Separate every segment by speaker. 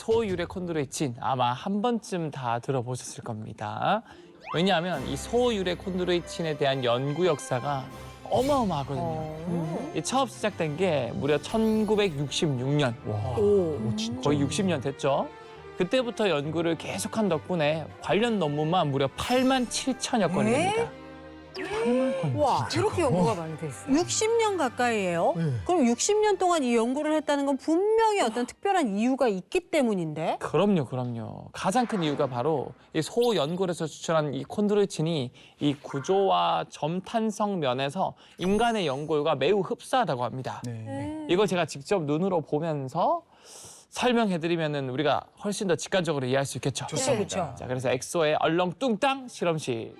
Speaker 1: 소유래 콘드로이친 아마 한 번쯤 다 들어보셨을 겁니다. 왜냐하면 이 소유래 콘드로이친에 대한 연구 역사가 어마어마하거든요. 이 처음 시작된 게 무려 1966년. 거의 60년 됐죠. 그때부터 연구를 계속한 덕분에 관련 논문만 무려 8만 7천여 건이 됩니다.
Speaker 2: 와, 이렇게 연구가 많이 돼 있어요.
Speaker 3: 60년 가까이예요?
Speaker 4: 네.
Speaker 3: 그럼 60년 동안 이 연구를 했다는 건 분명히 어떤 특별한 이유가 있기 때문인데?
Speaker 1: 그럼요. 가장 큰 이유가 바로 이 소연골에서 추출한 이 콘드로이친이 이 구조와 점탄성 면에서 인간의 연골과 매우 흡사하다고 합니다. 이걸 제가 직접 눈으로 보면서 설명해드리면은 우리가 훨씬 더 직관적으로 이해할 수 있겠죠.
Speaker 3: 그렇죠.
Speaker 1: 자, 그래서 엑소의 얼렁뚱땅 실험실.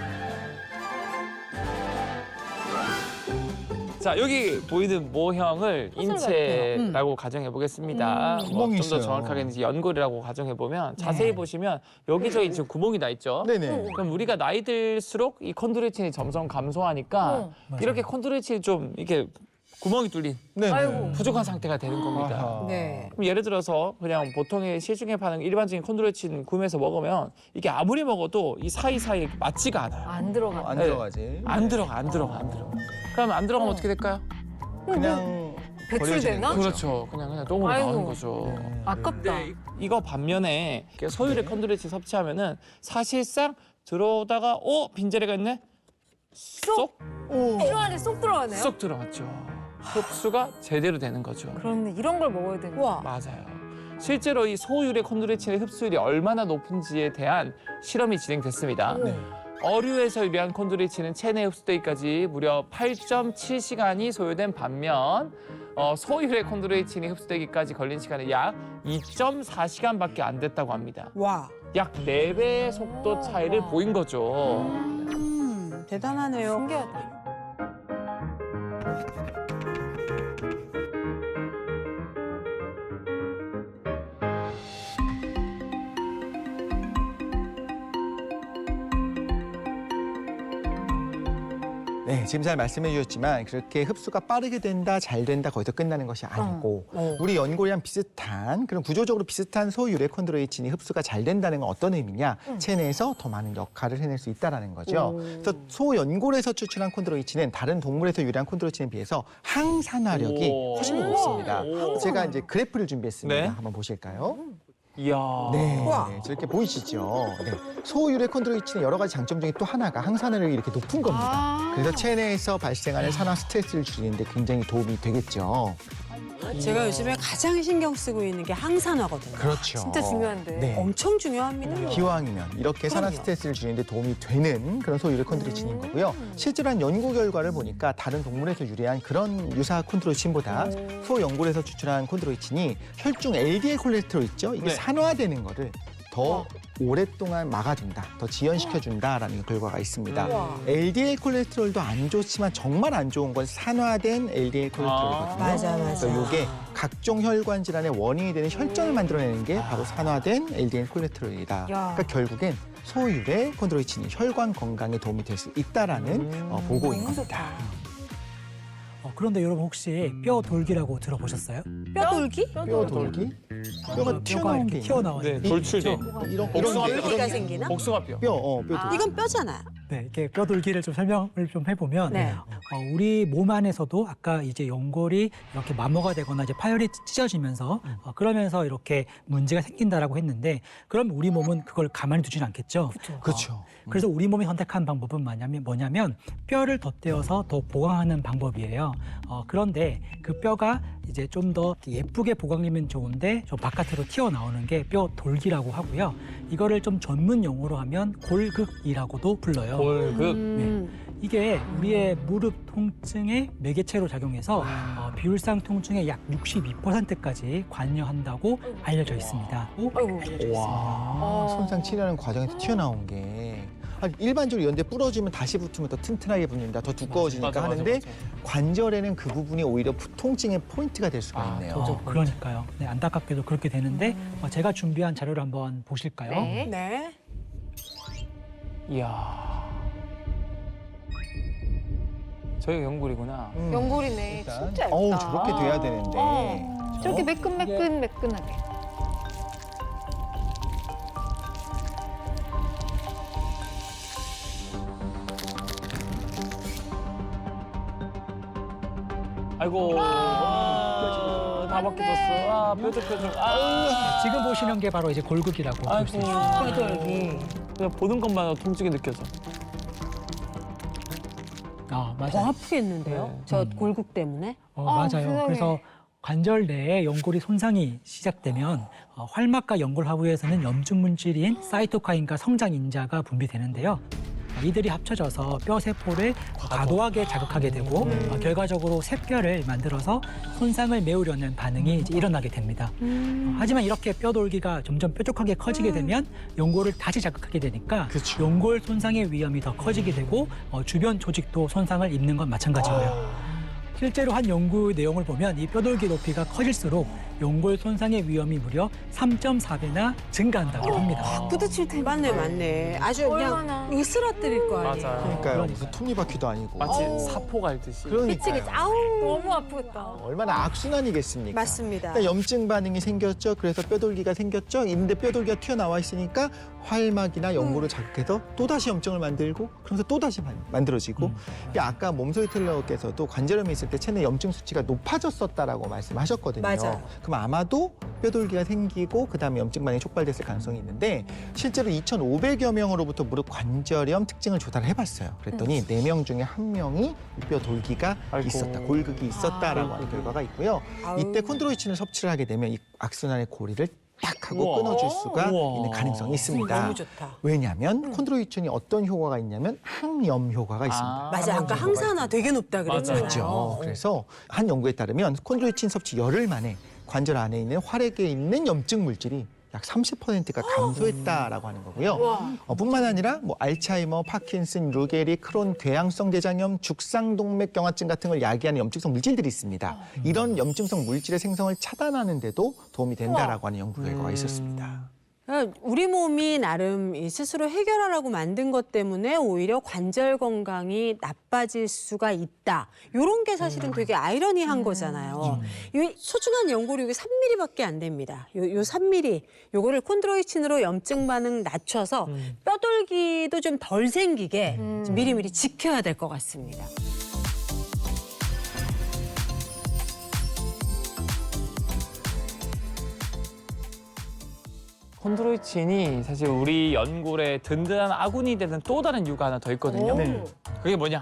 Speaker 1: 자, 여기 보이는 모형을 인체라고 가정해 보겠습니다.
Speaker 4: 구멍이
Speaker 1: 좀 더
Speaker 4: 있어요.
Speaker 1: 정확하게는 이제 연골이라고 가정해 보면 자세히 보시면 여기저기 지금 구멍이 나 있죠.
Speaker 4: 네네.
Speaker 1: 그럼 우리가 나이 들수록 이 콘드로이친이 점점 감소하니까 이렇게 콘드로이친이 좀 이렇게 구멍이 뚫린
Speaker 4: 네네.
Speaker 1: 부족한 상태가 되는 겁니다.
Speaker 4: 아하.
Speaker 3: 네.
Speaker 1: 그럼 예를 들어서 그냥 보통의 시중에 파는 일반적인 콘드로이친 구매해서 먹으면 이게 아무리 먹어도 이 사이사이에 맞지가 않아요.
Speaker 2: 안 들어가.
Speaker 4: 안
Speaker 1: 네.
Speaker 4: 들어가지.
Speaker 1: 안 들어가. 그럼 안 들어가면 어떻게 될까요?
Speaker 4: 그냥
Speaker 2: 배출되나?
Speaker 1: 그렇죠. 그냥 똥으로
Speaker 2: 아이고.
Speaker 1: 나오는 거죠.
Speaker 2: 아깝다.
Speaker 1: 근데 이거 반면에 소유래 콘드로이친 섭취하면은 사실상 들어오다가 빈자리가 있네? 쏙
Speaker 2: 뼈 안에 쏙 들어가네요.
Speaker 1: 쏙 들어갔죠. 흡수가 제대로 되는 거죠.
Speaker 2: 그런데 이런 걸 먹어야 되는
Speaker 3: 와.
Speaker 1: 맞아요. 실제로 이 소유래 콘드로이친의 흡수율이 얼마나 높은지에 대한 실험이 진행됐습니다. 어류에서 유래한 콘드로이친은 체내 흡수되기까지 무려 8.7시간이 소요된 반면 소유래 콘드로이친이 흡수되기까지 걸린 시간은 약 2.4시간밖에 안 됐다고 합니다.
Speaker 3: 와.
Speaker 1: 약 4배의 속도 차이를 보인 거죠.
Speaker 3: 대단하네요.
Speaker 2: 신기하다.
Speaker 4: 네, 지금 잘 말씀해 주셨지만 그렇게 흡수가 빠르게 된다, 잘 된다, 거기서 끝나는 것이 아니고 우리 연골이랑 비슷한 그런 구조적으로 비슷한 소유래 콘드로이친이 흡수가 잘 된다는 건 어떤 의미냐? 체내에서 더 많은 역할을 해낼 수 있다는 거죠. 그래서 소연골에서 추출한 콘드로이친은 다른 동물에서 유래한 콘드로이친에 비해서 항산화력이 훨씬 더 높습니다. 제가 이제 그래프를 준비했습니다.
Speaker 1: 네.
Speaker 4: 한번 보실까요?
Speaker 1: 이야.
Speaker 4: 네,
Speaker 3: 우와.
Speaker 4: 저렇게 보이시죠? 네. 소유래 콘드로이친의 여러 가지 장점 중에 또 하나가 항산화력이 이렇게 높은 겁니다. 그래서 체내에서 발생하는 산화 스트레스를 줄이는데 굉장히 도움이 되겠죠.
Speaker 3: 제가 요즘에 가장 신경 쓰고 있는 게 항산화거든요.
Speaker 4: 그렇죠.
Speaker 2: 진짜 중요한데.
Speaker 4: 네.
Speaker 3: 엄청 중요합니다.
Speaker 4: 기왕이면 이렇게 산화 스트레스를 줄이는데 도움이 되는 그런 소유래 콘드로이친인 거고요. 실제로 한 연구 결과를 보니까 다른 동물에서 유래한 그런 유사 콘드로이친보다 소연골에서 추출한 콘드로이친이 혈중 LDL 콜레스테롤 있죠? 이게
Speaker 1: 네.
Speaker 4: 산화되는 거를 더 오랫동안 막아준다, 더 지연시켜준다라는 결과가 있습니다. LDL 콜레스테롤도 안 좋지만 정말 안 좋은 건 산화된 LDL 콜레스테롤이거든요.
Speaker 3: 맞아.
Speaker 4: 그래서 이게 각종 혈관 질환의 원인이 되는 혈전을 만들어내는 게 바로 산화된 LDL 콜레스테롤이다. 그러니까 결국엔 소유래 콘드로이친이 혈관 건강에 도움이 될 수 있다라는 보고인 겁니다.
Speaker 5: 그런데 여러분 혹시 뼈 돌기라고 들어보셨어요?
Speaker 3: 뼈돌기?
Speaker 4: 뼈 돌기? 뼈가 튀어나온 게
Speaker 5: 이렇게 튀어나오는
Speaker 1: 네, 돌출돼.
Speaker 4: 이런
Speaker 3: 돌기가 생기나?
Speaker 1: 복숭아뼈.
Speaker 4: 뼈 돌기.
Speaker 3: 이건 뼈잖아요.
Speaker 5: 네, 이렇게 뼈 돌기를 좀 설명을 좀 해보면
Speaker 3: 네.
Speaker 5: 우리 몸 안에서도 아까 이제 연골이 이렇게 마모가 되거나 이제 파열이 찢어지면서 그러면서 이렇게 문제가 생긴다라고 했는데 그럼 우리 몸은 그걸 가만히 두지는 않겠죠.
Speaker 4: 그렇죠.
Speaker 5: 그래서 우리 몸이 선택한 방법은 뭐냐면 뼈를 덧대어서 더 보강하는 방법이에요. 그런데 그 뼈가 이제 좀 더 예쁘게 보강되면 좋은데 좀 바깥으로 튀어나오는 게 뼈 돌기라고 하고요. 이거를 좀 전문 용어로 하면 골극이라고도 불러요.
Speaker 1: 골극.
Speaker 5: 이게 우리의 무릎 통증의 매개체로 작용해서 비율상 통증의 약 62%까지 관여한다고 알려져 있습니다.
Speaker 4: 와, 손상 치료하는 과정에서 튀어나온 게 일반적으로 연대 부러지면 다시 붙으면 더 튼튼하게 붙는다, 더 두꺼워지니까 하는데 관절에는 그 부분이 오히려 통증의 포인트가 될 수가 있네요.
Speaker 5: 그러니까요. 네, 안타깝게도 그렇게 되는데 제가 준비한 자료를 한번 보실까요?
Speaker 2: 네.
Speaker 3: 네.
Speaker 1: 이야. 저희가 연골이구나.
Speaker 2: 연골이네.
Speaker 4: 일단,
Speaker 2: 진짜 얇다.
Speaker 4: 저렇게 돼야 되는데.
Speaker 2: 저렇게 매끈하게.
Speaker 1: 아이고. 다 벗겨졌어. 아, 뾰족뾰족. 아.
Speaker 5: 지금 보시는 게 바로 이제 골극이라고 볼 수
Speaker 1: 아이고.
Speaker 5: 있어요.
Speaker 3: 뼈돌기.
Speaker 1: 그냥 보는 것만 해도 통증이 느껴져.
Speaker 5: 맞아요.
Speaker 3: 더 아프겠는데요?
Speaker 1: 네.
Speaker 3: 저 골국 때문에?
Speaker 5: 맞아요.
Speaker 2: 세상에.
Speaker 5: 그래서 관절 내에 연골이 손상이 시작되면 활막과 연골 하부에서는 염증 물질인 사이토카인과 성장 인자가 분비되는데요. 이들이 합쳐져서 뼈 세포를 과도하게 자극하게 되고 결과적으로 쇠뼈를 만들어서 손상을 메우려는 반응이 이제 일어나게 됩니다. 하지만 이렇게 뼈돌기가 점점 뾰족하게 커지게 되면 연골을 다시 자극하게 되니까
Speaker 4: 그쵸.
Speaker 5: 연골 손상의 위험이 더 커지게 되고 주변 조직도 손상을 입는 건 마찬가지고요. 실제로 한 연구 내용을 보면 이 뼈돌기 높이가 커질수록 연골 손상의 위험이 무려 3.4배나 증가한다고 합니다.
Speaker 3: 부딪힐 때 맞네. 아주
Speaker 2: 얼마나.
Speaker 3: 그냥 으스러뜨릴 거 아니에요.
Speaker 1: 맞아요.
Speaker 4: 그러니까요.
Speaker 5: 그러니까요.
Speaker 4: 무슨 톱니바퀴도 아니고.
Speaker 1: 마치 사포 갈듯이.
Speaker 4: 그러니까요.
Speaker 3: 아우.
Speaker 2: 너무 아프겠다.
Speaker 4: 얼마나 악순환이겠습니까?
Speaker 3: 맞습니다.
Speaker 4: 그러니까 염증 반응이 생겼죠. 그래서 뼈돌기가 생겼죠. 있는데 뼈돌기가 튀어나와 있으니까 활막이나 연골을 자극해서 또다시 염증을 만들고 그러면서 또다시 만들어지고 이게 아까 몸소리 텔러께서도 관절염이 있을 때 체내 염증 수치가 높아졌었다라고 말씀하셨거든요.
Speaker 3: 맞아요.
Speaker 4: 그럼 아마도 뼈돌기가 생기고 그다음에 염증 반응이 촉발됐을 가능성이 있는데 실제로 2,500여 명으로부터 무릎 관절염 특징을 조사를 해봤어요. 그랬더니 4명 중에 1명이 뼈돌기가
Speaker 1: 아이고.
Speaker 4: 있었다, 골극이 있었다라고 하는 결과가 있고요. 이때 콘드로이친을 섭취를 하게 되면 이 악순환의 고리를 딱 하고
Speaker 1: 우와.
Speaker 4: 끊어줄 수가
Speaker 1: 우와.
Speaker 4: 있는 가능성이 있습니다.
Speaker 3: 너무 좋다.
Speaker 4: 왜냐하면 콘드로이친이 어떤 효과가 있냐면 항염 효과가 있습니다.
Speaker 3: 맞아, 아까 항산화 되게 높다 그랬잖아요.
Speaker 4: 맞죠. 그래서 한 연구에 따르면 콘드로이친 섭취 열흘 만에 관절 안에 있는 활액에 있는 염증 물질이 약 30%가 감소했다라고 하는 거고요. 뿐만 아니라 뭐 알츠하이머, 파킨슨, 루게리, 크론, 궤양성 대장염, 죽상동맥경화증 같은 걸 야기하는 염증성 물질들이 있습니다. 이런 염증성 물질의 생성을 차단하는 데도 도움이 된다라고 하는 연구 결과가 있었습니다.
Speaker 3: 그러니까 우리 몸이 나름 이 스스로 해결하라고 만든 것 때문에 오히려 관절 건강이 나빠질 수가 있다. 이런 게 사실은 되게 아이러니한 거잖아요. 이 소중한 연골이 이게 3mm밖에 안 됩니다. 요 3mm, 요거를 콘드로이친으로 염증 반응 낮춰서 뼈돌기도 좀 덜 생기게 미리미리 지켜야 될 것 같습니다.
Speaker 1: 콘드로이친이 사실 우리 연골의 든든한 아군이 되는 또 다른 이유가 하나 더 있거든요.
Speaker 4: 네.
Speaker 1: 그게 뭐냐?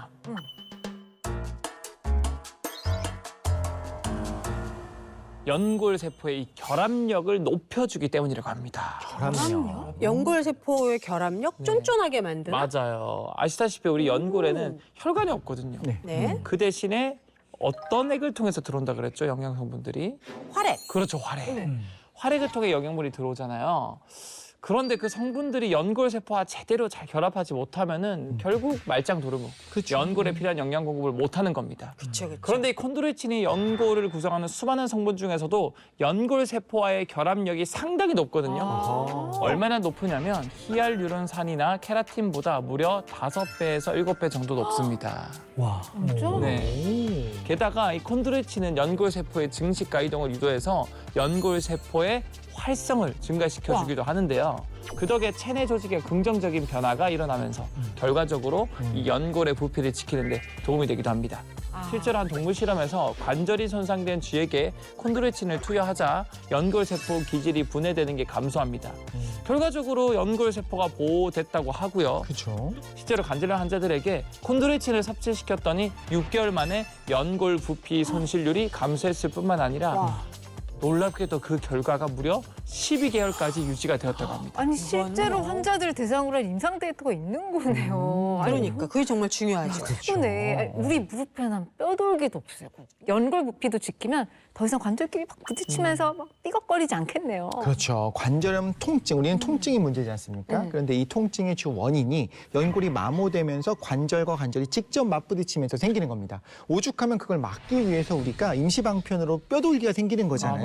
Speaker 1: 연골 세포의 이 결합력을 높여주기 때문이라고 합니다.
Speaker 4: 결합력.
Speaker 3: 연골 세포의 결합력 쫀쫀하게 만드는.
Speaker 1: 맞아요. 아시다시피 우리 연골에는 혈관이 없거든요.
Speaker 4: 네.
Speaker 3: 네.
Speaker 1: 그 대신에 어떤 액을 통해서 들어온다 그랬죠? 영양 성분들이.
Speaker 3: 활액.
Speaker 1: 그렇죠, 활액. 활액을 통해 영양분이 들어오잖아요. 그런데 그 성분들이 연골 세포와 제대로 잘 결합하지 못하면은 결국 말짱 도르고
Speaker 4: 그쵸.
Speaker 1: 연골에 필요한 영양 공급을 못하는 겁니다.
Speaker 3: 그렇죠.
Speaker 1: 그런데 이 콘드로이친이 연골을 구성하는 수많은 성분 중에서도 연골 세포와의 결합력이 상당히 높거든요. 얼마나 높으냐면 히알루론산이나 케라틴보다 무려 5배에서 7배 정도 높습니다.
Speaker 5: 와.
Speaker 2: 진짜?
Speaker 1: 네. 게다가 이 콘드로이친은 연골 세포의 증식과 이동을 유도해서 연골 세포의 활성을 증가시켜주기도 하는데요. 그 덕에 체내 조직의 긍정적인 변화가 일어나면서 결과적으로 이 연골의 부피를 지키는 데 도움이 되기도 합니다. 실제로 한 동물 실험에서 관절이 손상된 쥐에게 콘드로이친을 투여하자 연골 세포 기질이 분해되는 게 감소합니다. 결과적으로 연골 세포가 보호됐다고 하고요.
Speaker 4: 그렇죠.
Speaker 1: 실제로 관절염 환자들에게 콘드로이친을 섭취시켰더니 6개월 만에 연골 부피 손실률이 감소했을 뿐만 아니라 놀랍게도 그 결과가 무려 12개월까지 유지가 되었다고 합니다.
Speaker 2: 아니 실제로 환자들 대상으로 한 임상 데이터가 있는 거네요.
Speaker 3: 그러니까 그게 정말 중요하죠.
Speaker 2: 네, 우리 무릎에는 한 뼈돌기도 없애고 연골 부피도 지키면 더 이상 관절끼리 막 부딪히면서 막 삐걱거리지 않겠네요.
Speaker 4: 그렇죠. 관절염 통증, 우리는 통증이 문제지 않습니까? 그런데 이 통증의 주 원인이 연골이 마모되면서 관절과 관절이 직접 맞부딪히면서 생기는 겁니다. 오죽하면 그걸 막기 위해서 우리가 임시방편으로 뼈돌기가 생기는 거잖아요.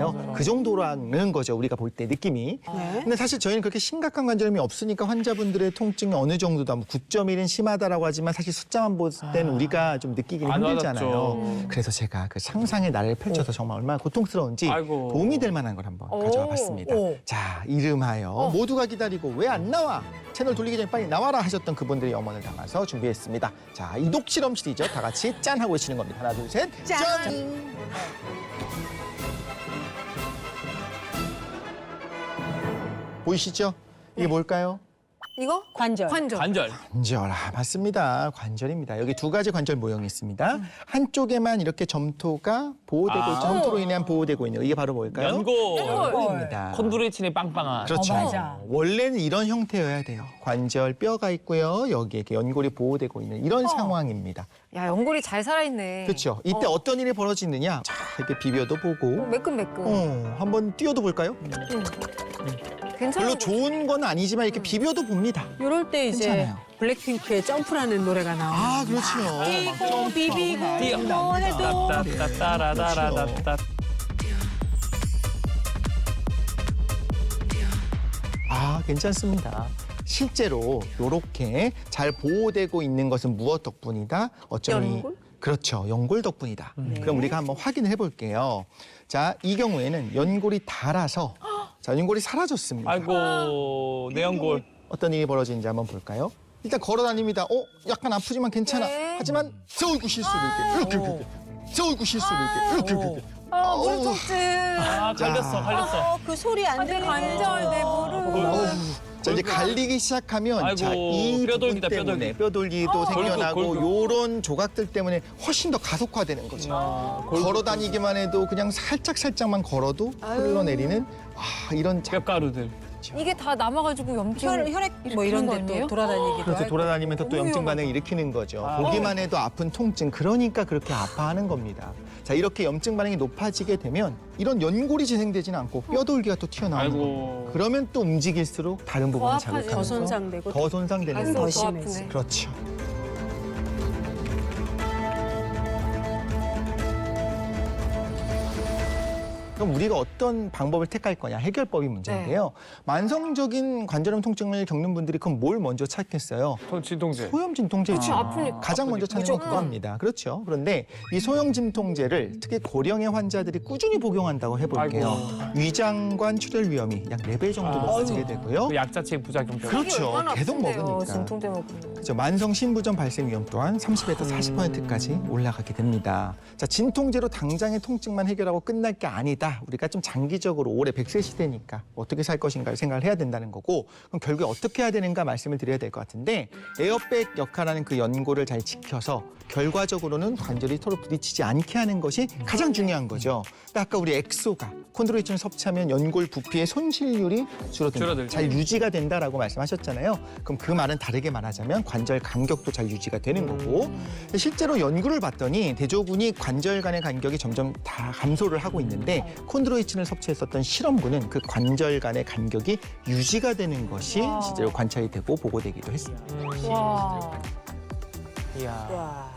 Speaker 4: 있잖아요. 그 정도라는 거죠. 우리가 볼 때 느낌이.
Speaker 3: 네.
Speaker 4: 근데 사실 저희는 그렇게 심각한 관절염이 없으니까 환자분들의 통증이 어느 정도다. 뭐 9.1은 심하다라고 하지만 사실 숫자만 볼 때는 우리가 좀 느끼기는
Speaker 1: 안
Speaker 4: 힘들잖아요.
Speaker 1: 와닿죠.
Speaker 4: 그래서 제가 그 상상의 나를 펼쳐서 정말 얼마나 고통스러운지
Speaker 1: 아이고.
Speaker 4: 도움이 될 만한 걸 한번 가져와 봤습니다.
Speaker 3: 오.
Speaker 4: 자, 이름하여 모두가 기다리고 왜 안 나와? 채널 돌리기 전에 빨리 나와라 하셨던 그분들의 염원을 담아서 준비했습니다. 자, 이독 실험실이죠. 다 같이 짠 하고 외치는 겁니다. 하나, 둘, 셋.
Speaker 3: 짠!
Speaker 4: 보이시죠? 이게 뭘까요?
Speaker 3: 이거? 관절.
Speaker 2: 관절.
Speaker 1: 관절.
Speaker 4: 관절, 맞습니다. 관절입니다. 여기 두 가지 관절 모형이 있습니다. 한쪽에만 이렇게 점토가 보호되고 점토로 인한 보호되고 있는 이게 바로 뭘까요? 연골입니다.
Speaker 1: 콘드로이친이 빵빵한.
Speaker 4: 그렇죠.
Speaker 3: 맞아.
Speaker 4: 원래는 이런 형태여야 돼요. 관절 뼈가 있고요. 여기에 이렇게 연골이 보호되고 있는 이런 상황입니다.
Speaker 2: 야, 연골이 잘 살아있네.
Speaker 4: 그렇죠. 이때 어떤 일이 벌어지느냐? 자, 이렇게 비벼도 보고,
Speaker 2: 매끈매끈.
Speaker 4: 한번 띄워도 볼까요?
Speaker 2: 괜찮은
Speaker 4: 별로
Speaker 2: 거.
Speaker 4: 좋은 건 아니지만 이렇게 비벼도 봅니다.
Speaker 3: 이럴 때 이제
Speaker 4: 괜찮아요.
Speaker 3: 블랙핑크의 점프라는 노래가 나와요.
Speaker 4: 아, 그렇죠.
Speaker 3: 뛰고 비비고
Speaker 1: 뛰어.
Speaker 3: 뭐 해도
Speaker 1: 따따따라따라따따.
Speaker 4: 괜찮습니다. 실제로 이렇게 잘 보호되고 있는 것은 무엇 덕분이다? 어쩌면
Speaker 2: 연골?
Speaker 4: 그렇죠. 연골 덕분이다. 그럼 우리가 한번 확인을 해볼게요. 자, 이 경우에는 연골이 닳아서 자, 연골이 사라졌습니다.
Speaker 1: 아이고, 내 연골.
Speaker 4: 어떤 일이 벌어지는지 한번 볼까요? 일단 걸어 다닙니다. 약간 아프지만 괜찮아.
Speaker 2: 네.
Speaker 4: 하지만 세우고 실수를 이렇게 세우고 실수를 이렇게
Speaker 2: 무릎 통증.
Speaker 1: 갈렸어.
Speaker 3: 그 소리 안
Speaker 2: 내
Speaker 3: 들리게.
Speaker 2: 관절, 내 무릎.
Speaker 4: 자, 이제 갈리기 시작하면
Speaker 1: 아이고,
Speaker 4: 자, 이
Speaker 1: 뼈돌기다,
Speaker 4: 부분 때문에 뼈돌기도 생겨나고
Speaker 1: 골격.
Speaker 4: 요런 조각들 때문에 훨씬 더 가속화되는 거죠. 걸어 다니기만 해도 그냥 살짝만 걸어도 흘러내리는 이런
Speaker 1: 뼈가루들.
Speaker 2: 이게 다 남아가지고 염증.
Speaker 3: 혈액 뭐
Speaker 2: 일으키는
Speaker 3: 이런
Speaker 2: 거
Speaker 3: 데
Speaker 2: 아니에요?
Speaker 3: 또 돌아다니기도
Speaker 4: 그래서
Speaker 3: 하고.
Speaker 4: 돌아다니면서 또
Speaker 3: 너무
Speaker 4: 염증
Speaker 3: 위험하다.
Speaker 4: 반응을 일으키는 거죠. 보기만 해도 아픈 통증, 그러니까 그렇게 아파하는 겁니다. 자, 이렇게 염증 반응이 높아지게 되면 이런 연골이 재생되지는 않고 뼈돌기가 또 튀어나오는
Speaker 1: 아이고.
Speaker 4: 거예요. 그러면 또 움직일수록 다른 부분을
Speaker 2: 아파지죠.
Speaker 4: 자극하면서
Speaker 3: 더 손상되고
Speaker 4: 더 손상되는
Speaker 2: 가슴도
Speaker 3: 더
Speaker 4: 거죠.
Speaker 2: 더
Speaker 3: 심해지.
Speaker 2: 아프네.
Speaker 4: 그렇죠. 그럼 우리가 어떤 방법을 택할 거냐 해결법이 문제인데요. 만성적인 관절염 통증을 겪는 분들이 그럼 뭘 먼저 찾겠어요?
Speaker 1: 진통제.
Speaker 4: 소염 진통제
Speaker 2: 그치, 아프니까.
Speaker 4: 가장 먼저 찾는 건
Speaker 2: 무조건.
Speaker 4: 그겁니다. 그렇죠. 그런데 이 소염 진통제를 특히 고령의 환자들이 꾸준히 복용한다고 해볼게요. 위장관 출혈 위험이 약 4배 정도 높아지게 되고요.
Speaker 1: 그 약 자체의 부작용 때문에.
Speaker 4: 그렇죠.
Speaker 2: 얼마나
Speaker 4: 계속
Speaker 2: 아픈데요,
Speaker 4: 먹으니까.
Speaker 2: 진통제 먹으면.
Speaker 4: 그렇죠. 만성 신부전 발생 위험 또한 30에서 40%까지 올라가게 됩니다. 자, 진통제로 당장의 통증만 해결하고 끝날 게 아니다. 우리가 좀 장기적으로 올해 100세 시대니까 어떻게 살 것인가를 생각을 해야 된다는 거고 그럼 결국에 어떻게 해야 되는가 말씀을 드려야 될 것 같은데 에어백 역할하는 그 연골을 잘 지켜서 결과적으로는 관절이 서로 부딪히지 않게 하는 것이 가장 중요한 거죠. 근데 아까 우리 엑소가 콘드로이친을 섭취하면 연골 부피의 손실률이 줄어든다. 잘 유지가 된다라고 말씀하셨잖아요. 그럼 그 말은 다르게 말하자면 관절 간격도 잘 유지가 되는 거고 실제로 연구를 봤더니 대조군이 관절 간의 간격이 점점 다 감소를 하고 있는데 콘드로이친을 섭취했었던 실험군은 그 관절 간의 간격이 유지가 되는 것이 실제로 관찰이 되고 보고되기도 했습니다.
Speaker 2: 와.
Speaker 1: 이야.
Speaker 3: 와.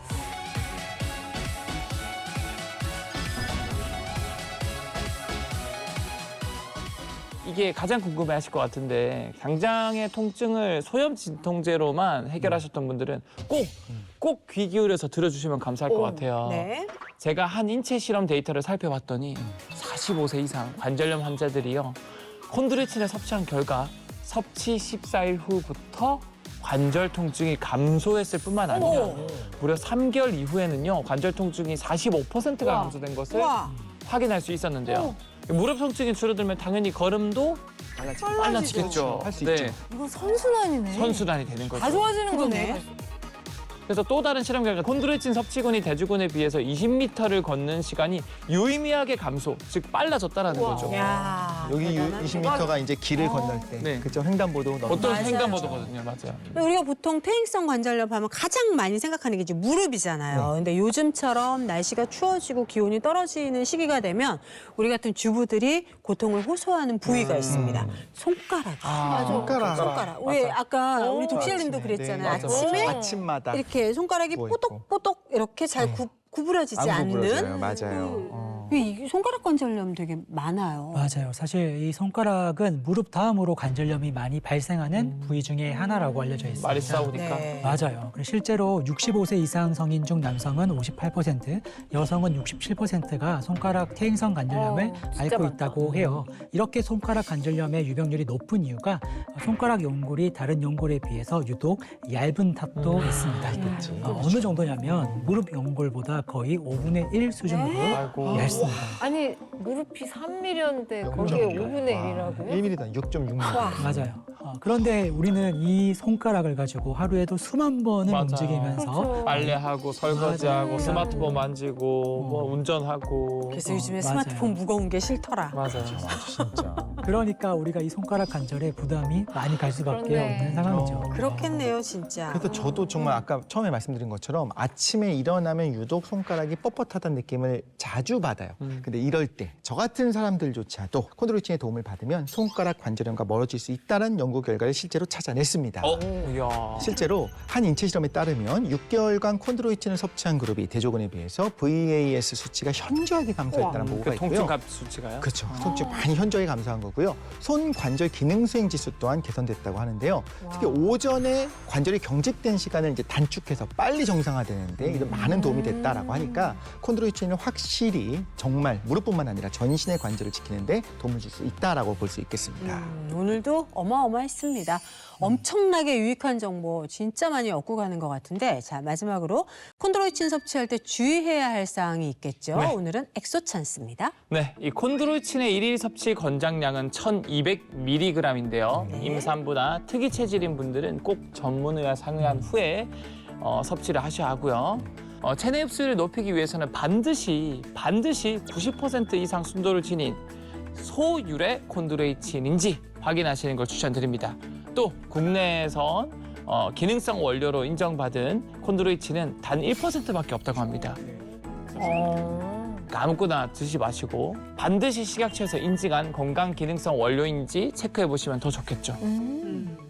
Speaker 1: 이게 가장 궁금해하실 것 같은데 당장의 통증을 소염 진통제로만 해결하셨던 분들은 꼭 귀 기울여서 들어주시면 감사할 것 같아요.
Speaker 3: 네.
Speaker 1: 제가 한 인체 실험 데이터를 살펴봤더니 45세 이상 관절염 환자들이요. 콘드로이친을 섭취한 결과 섭취 14일 후부터 관절 통증이 감소했을 뿐만 아니라 무려 3개월 이후에는요. 관절 통증이 45%가
Speaker 2: 와.
Speaker 1: 감소된 것을
Speaker 3: 와.
Speaker 1: 확인할 수 있었는데요. 무릎 통증이 줄어들면 당연히 걸음도 빨라지겠죠.
Speaker 4: 할 수
Speaker 1: 네,
Speaker 4: 있죠.
Speaker 2: 이건 선순환이네.
Speaker 1: 선순환이 되는 거죠.
Speaker 2: 다 좋아지는
Speaker 3: 그러네.
Speaker 2: 거네.
Speaker 1: 그래서 또 다른 실험 결과 콘드로이친 섭취군이 대주군에 비해서 20m를 걷는 시간이 유의미하게 감소, 즉 빨라졌다라는 거죠.
Speaker 3: 야.
Speaker 4: 여기
Speaker 3: 대단하네.
Speaker 4: 20m가 이제 길을 건널 때
Speaker 1: 네.
Speaker 4: 그죠 횡단보도 넘는
Speaker 1: 어떤
Speaker 3: 맞아요.
Speaker 1: 횡단보도거든요, 맞아요.
Speaker 3: 근데 우리가 보통 퇴행성 관절염 하면 가장 많이 생각하는 게 이제 무릎이잖아요. 근데 요즘처럼 날씨가 추워지고 기온이 떨어지는 시기가 되면 우리 같은 주부들이 고통을 호소하는 부위가 있습니다. 손가락. 손가락. 왜 아까 우리 독실님도 그랬잖아요.
Speaker 4: 맞아.
Speaker 3: 아침에
Speaker 4: 아침마다
Speaker 3: 이렇게 손가락이
Speaker 4: 부어있고.
Speaker 3: 뽀독뽀독 이렇게 잘 구부러지지
Speaker 4: 안 구부러져요.
Speaker 3: 않는.
Speaker 4: 맞아요.
Speaker 3: 이 손가락 관절염 되게 많아요.
Speaker 5: 맞아요. 사실 이 손가락은 무릎 다음으로 관절염이 많이 발생하는 부위 중에 하나라고 알려져 있습니다.
Speaker 1: 말이 싸우니까.
Speaker 3: 네.
Speaker 5: 맞아요. 그리고 실제로 65세 이상 성인 중 남성은 58%, 여성은 67%가 손가락 퇴행성 관절염을
Speaker 2: 진짜
Speaker 5: 앓고
Speaker 2: 많다.
Speaker 5: 있다고 해요. 이렇게 손가락 관절염의 유병률이 높은 이유가 손가락 연골이 다른 연골에 비해서 유독 얇은 탓도 있습니다. 어느 정도냐면 무릎 연골보다 거의 5분의 1 수준으로
Speaker 1: 아이고.
Speaker 5: 얇습니다.
Speaker 2: 아니 무릎이 3mm인데 거기에 5분의 1이라고요?
Speaker 4: 1mm당 6.6mm.
Speaker 5: 맞아요. 그런데 우리는 이 손가락을 가지고 하루에도 수만 번을
Speaker 1: 맞아.
Speaker 5: 움직이면서
Speaker 2: 그렇죠.
Speaker 1: 빨래하고 설거지하고
Speaker 5: 맞아요.
Speaker 1: 스마트폰 만지고 뭐 운전하고.
Speaker 3: 그래서 요즘에
Speaker 5: 맞아요.
Speaker 3: 스마트폰 무거운 게 싫더라.
Speaker 1: 맞아요.
Speaker 4: 진짜.
Speaker 5: 그러니까 우리가 이 손가락 관절에 부담이 많이 갈 수밖에
Speaker 2: 그러네.
Speaker 5: 없는 상황이죠.
Speaker 3: 그렇겠네요, 진짜.
Speaker 4: 그래서 저도 정말 아까 처음에 말씀드린 것처럼 아침에 일어나면 유독 손가락이 뻣뻣하다는 느낌을 자주 받아요. 근데 이럴 때 저 같은 사람들조차도 콘드로이친의 도움을 받으면 손가락 관절염과 멀어질 수 있다는 연구 결과를 실제로 찾아냈습니다.
Speaker 1: 이야.
Speaker 4: 실제로 한 인체 실험에 따르면 6개월간 콘드로이친을 섭취한 그룹이 대조군에 비해서 VAS 수치가 현저하게 감소했다는 보고가
Speaker 1: 그
Speaker 4: 있고요.
Speaker 1: 통증값 수치가요?
Speaker 4: 그렇죠. 통증 많이 현저히 감소한 거고요. 손 관절 기능 수행 지수 또한 개선됐다고 하는데요. 특히 오전에 관절이 경직된 시간을 이제 단축해서 빨리 정상화되는데 이런 많은 도움이 됐다라고 하니까 콘드로이친은 확실히 정말 무릎뿐만 아니라 전신의 관절을 지키는데 도움을 줄 수 있다라고 볼 수 있겠습니다.
Speaker 3: 오늘도 어마어마했습니다. 엄청나게 유익한 정보 진짜 많이 얻고 가는 것 같은데 자 마지막으로 콘드로이친 섭취할 때 주의해야 할 사항이 있겠죠.
Speaker 1: 네.
Speaker 3: 오늘은 엑소찬스입니다.
Speaker 1: 네, 이 콘드로이친의 일일 섭취 권장량은 1,200mg인데요. 임산부나 특이 체질인 분들은 꼭 전문의와 상의한 후에 섭취를 하셔야 하고요. 체내 흡수율을 높이기 위해서는 반드시 90% 이상 순도를 지닌 소유래 콘드로이친인지 확인하시는 걸 추천드립니다. 또 국내에선 기능성 원료로 인정받은 콘드로이친은 단 1%밖에 없다고 합니다. 그러니까 아무거나 드시지 마시고 반드시 식약처에서 인증한 건강 기능성 원료인지 체크해 보시면 더 좋겠죠.